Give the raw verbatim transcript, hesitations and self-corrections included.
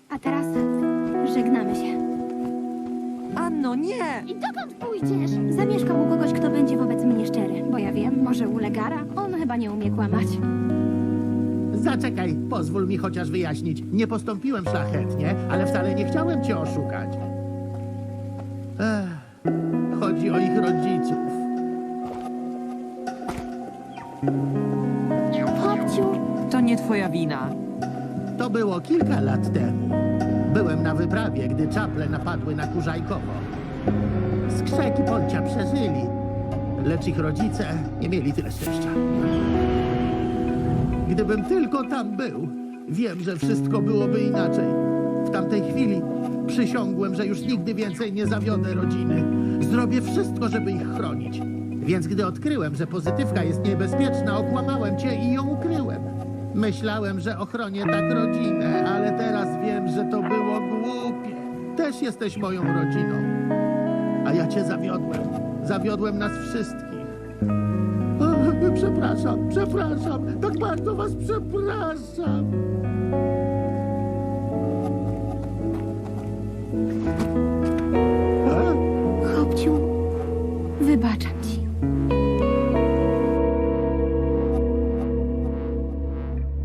A teraz żegnamy się. Anno, nie! I dokąd pójdziesz? Zamieszkam u kogoś, kto będzie wobec mnie szczery. Bo ja wiem, może u Legara? On chyba nie umie kłamać. Zaczekaj, pozwól mi chociaż wyjaśnić. Nie postąpiłem szlachetnie, ale wcale nie chciałem cię oszukać. Ech, chodzi o ich rodziców. Chłopciu, To nie twoja wina. To było kilka lat temu. Byłem na wyprawie, gdy czaple napadły na Kurzajkowo. Skrzeki Polcia przeżyli, lecz ich rodzice nie mieli tyle szczęścia. Gdybym tylko tam był, wiem, że wszystko byłoby inaczej. W tamtej chwili przysiągłem, że już nigdy więcej nie zawiodę rodziny. Zrobię wszystko, żeby ich chronić. Więc gdy odkryłem, że pozytywka jest niebezpieczna, okłamałem cię i ją ukryłem. Myślałem, że ochronię tak rodzinę, ale teraz wiem, że to było głupie. Też jesteś moją rodziną. A ja cię zawiodłem. Zawiodłem nas wszystkich. O, przepraszam, przepraszam. Tak bardzo was przepraszam. chłopciu, wybacz.